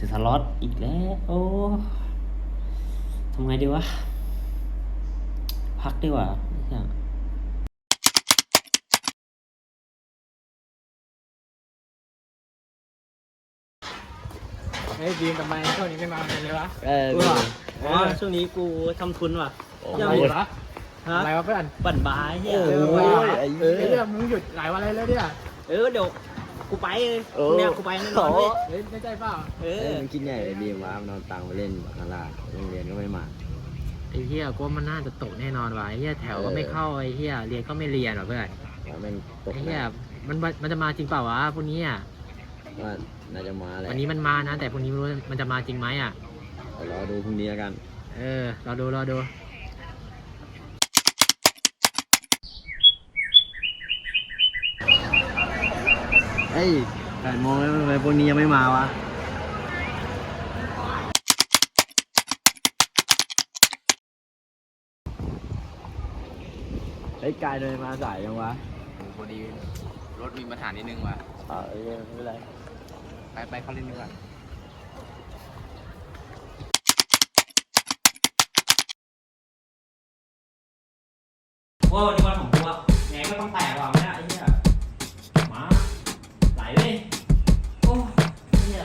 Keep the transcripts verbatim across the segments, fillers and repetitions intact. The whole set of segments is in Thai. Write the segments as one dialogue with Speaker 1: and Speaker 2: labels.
Speaker 1: สียสล็อตอีกแล้วโอ้ทำไงดีวะพักดีกว่าเนี่ย
Speaker 2: เฮ้ยบีมทำไมช่วงนี้ไม่มาเลยวะ
Speaker 1: เอออ๋อช่วงนี้กูทำทุนว่ะ
Speaker 2: ยังมีวะอะไรวะเพื่อน
Speaker 1: ปั่นบายเฮ้ย
Speaker 2: เออไอ้เรื่องมึงหยุดหลายวันเลยแล้วเนี่ย
Speaker 1: เออเดี๋ยวกูไปเนี่ยกูไปแน่นอน
Speaker 2: เฮ้ยไม่ใช่เปล่า
Speaker 1: เออ
Speaker 3: มันคิดใหญ่เลยบีมว่ามันนอนตังไปเล่นบาคาร่าโรงเรียนก็ไม่มา
Speaker 2: ไอ้เหี้ยกูมันน่าจะตกแน่นอนว่ะไอ้เหี้ยแถวก็ไม่เข้าไอ้เหี้ยเรียนก็ไม่เรียนหรอเพื่อน
Speaker 3: แมันตก
Speaker 2: ไอ้เหี้ยมันมันจะมาจริงเปล่าวะพวกนี้อ่ะ
Speaker 3: ว่าน่าจะมาแหละ
Speaker 2: วันนี้มันมานะแต่พวกนี้ไม่รู้มันจะมาจริงไหมอ่ะ
Speaker 3: รอดูพรุ่งนี้กัน
Speaker 2: เออรอดูรอดู
Speaker 3: เฮ้ยแปดโมงแล้วทำไมพวกนี้ยังไม่มาวะเฮ้ยกายเดินมาสายยังวะ
Speaker 2: พอดีรถมีปัญหานิดนึงว่ะ
Speaker 3: อ่าเออไม่เป็นไร
Speaker 2: ไปไปเขาเล่นดีกว่า
Speaker 1: ว่าวันนี้วันของกูอะไงก็ต้องแตกว่ะไม่ได้ไอ้เหี้ยมาไหลเลยโอ้เหี้ย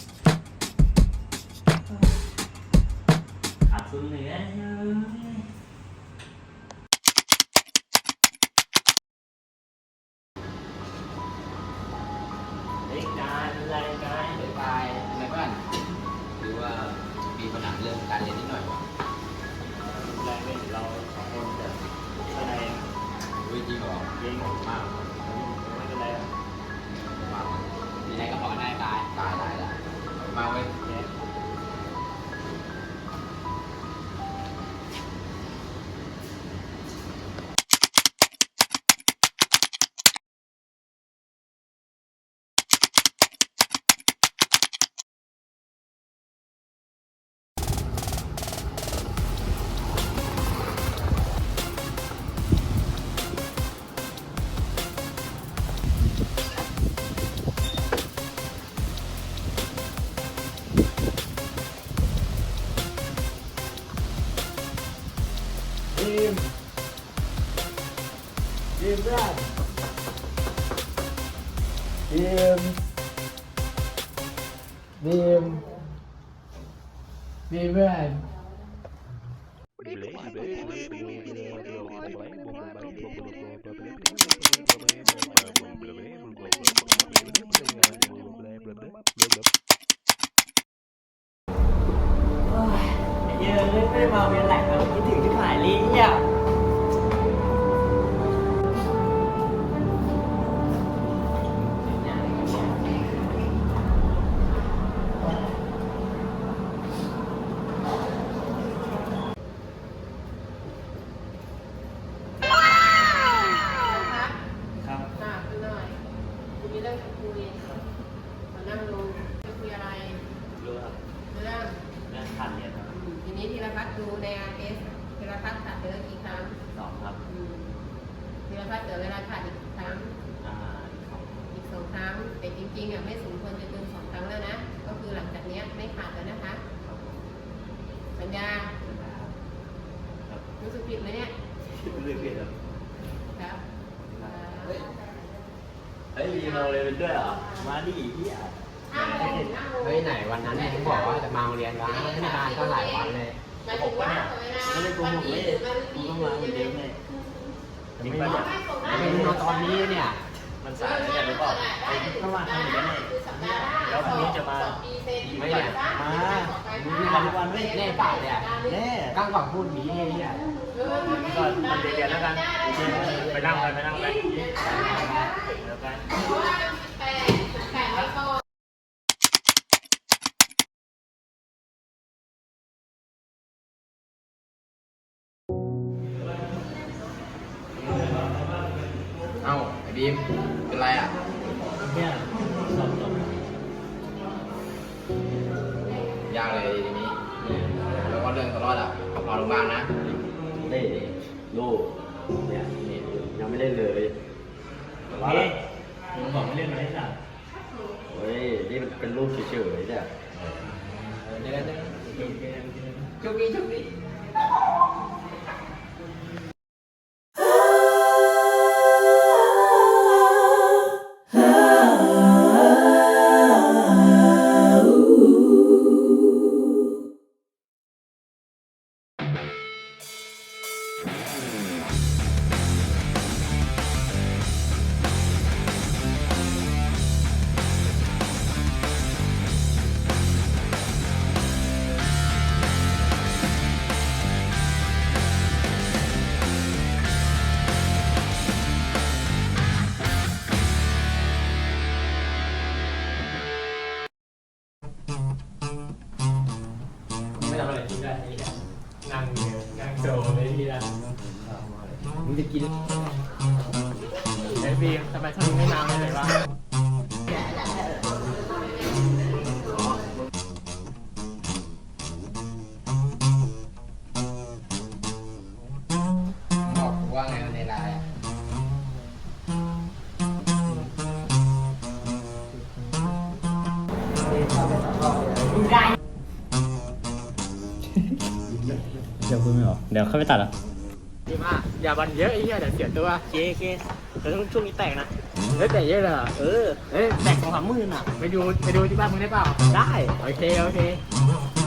Speaker 1: ขาดซุนเลยนะเฮ้ยกายเป็นไรกาย
Speaker 2: ไปไปอะไรเพื่อนหรือว่ามีปัญหาเรื่องการเรียนนิดหน่อยวะ
Speaker 1: แรงเป็นเราสองคนจะแสดง
Speaker 2: วิจริงเหรอ
Speaker 1: เก่งมากไม่เป็นไรอ่ะ
Speaker 2: มามีอะไรก็บอกได้ตายตายได้ละมาเว้ย
Speaker 3: บีมบีมเพื่อนบีมบีมบีมเพื่อน
Speaker 1: เยอะเลยไม่ได้มาเวียนแหลกแล้วคิดถึงที่ขายลิ้นเนี่ยครับ
Speaker 4: หนักหน่อยคุณมีเรื่องจะคุยมานั่งลงจะคุยอะไร
Speaker 1: รู้ครับ
Speaker 4: เรื่อง
Speaker 1: เรื่องขาดเรียนครับ
Speaker 4: ทีนี้ธีรพัฒน์ดูใน อาร์ เอส ธีรพัฒน์ขาดเดือนกี่ครั้ง
Speaker 1: สองครับ
Speaker 4: ธีรพัฒน์เหลือเวลาขาดอีกครั้ง
Speaker 1: อ่าสอง
Speaker 4: อีกสองครั้งแต่จริงๆอ่ะไม่สมควรจะเกินสองครั้งแล้วนะก็คือหลังจากนี้ไม่ขาดแล้วนะคะสัญญารู้สึกผิดไหมเนี่ย
Speaker 1: รู้สึกผิดครับ
Speaker 4: ครับ
Speaker 1: เฮ้ยมีมาเลยเป็นด้วยเหรอมาดิพี่อ่ะ
Speaker 2: เฮ้ยไหนวันนั้นเนี่ยเขาบอกว่าจะมาโรงเรียนวะไม่ได้มาก็หลายวันเลย
Speaker 4: หมายถึงว่า
Speaker 1: ไม่ได้โกหกเลยกูต้องมาเหมือนเดิมเลยจริงป่ะเนี่ย
Speaker 2: ไม่รู้ตอนนี้เนี่ย
Speaker 1: มันสายแล้วกันหรือเปล่าไอ้ข้างล่างทำอย่างนี้แล้วพรุ่งนี้จะมา
Speaker 2: ไม่เนี่ย
Speaker 1: มามีวันทุกวันไม่
Speaker 2: แน่เปล่าเนี่ย
Speaker 1: แน่
Speaker 2: กั้งก่อนพูดดีเนี่ย
Speaker 1: ก็มันเรียนแล้วกันไปนั่งไปไปนั่งไปแล้วกัน
Speaker 2: เอ้าไอ้บีมเป็นไรอ่ะ
Speaker 1: เนี่ยสอบสอบ
Speaker 2: ยากเลยทีนี้แล้วก็เรื่องตลอดอ่ะขอพาโรงพยาบาลนะ
Speaker 3: เล่ลูกเนี่ยยังไม่เล่นเลย
Speaker 1: เฮ้ยมึงบอกไม่เล่นไหมสัตว์
Speaker 3: เฮ้ยนี่มันเป็นรูปเฉยๆเนี่ย
Speaker 2: เดี๋ยวเดี๋ยว
Speaker 1: โชคดีโชคดี
Speaker 2: ไม่ทำอะไรที่ได้ไอ้เหี้ยนั่งอยู่นั่งโซเลยที่ละ
Speaker 3: มึงจะกิน
Speaker 2: ไอ้บีมทำไมช่วงนี้ไม่นำเลยวะ
Speaker 3: บอกกูว่าไงในไลน์อ่ะ
Speaker 1: เดี๋ยวคุณไม่หรอเดี๋ยวเข้าไปตัดอ่ะ
Speaker 2: บีมอ่ะอย่าบันเยอะไอ้เหี้ยเดี๋ยวเสียตัว
Speaker 1: เคเคเดี๋ยวช่วงนี้แตกนะ
Speaker 2: เฮ้ยแต่เยอะเลยเหรอ
Speaker 1: เออเอ้ยแตกสองสามหมื่นอ่ะ
Speaker 2: ไปดูไปดูที่บ้านมึงได้เปล่า
Speaker 1: ได้
Speaker 2: โอเคโอเค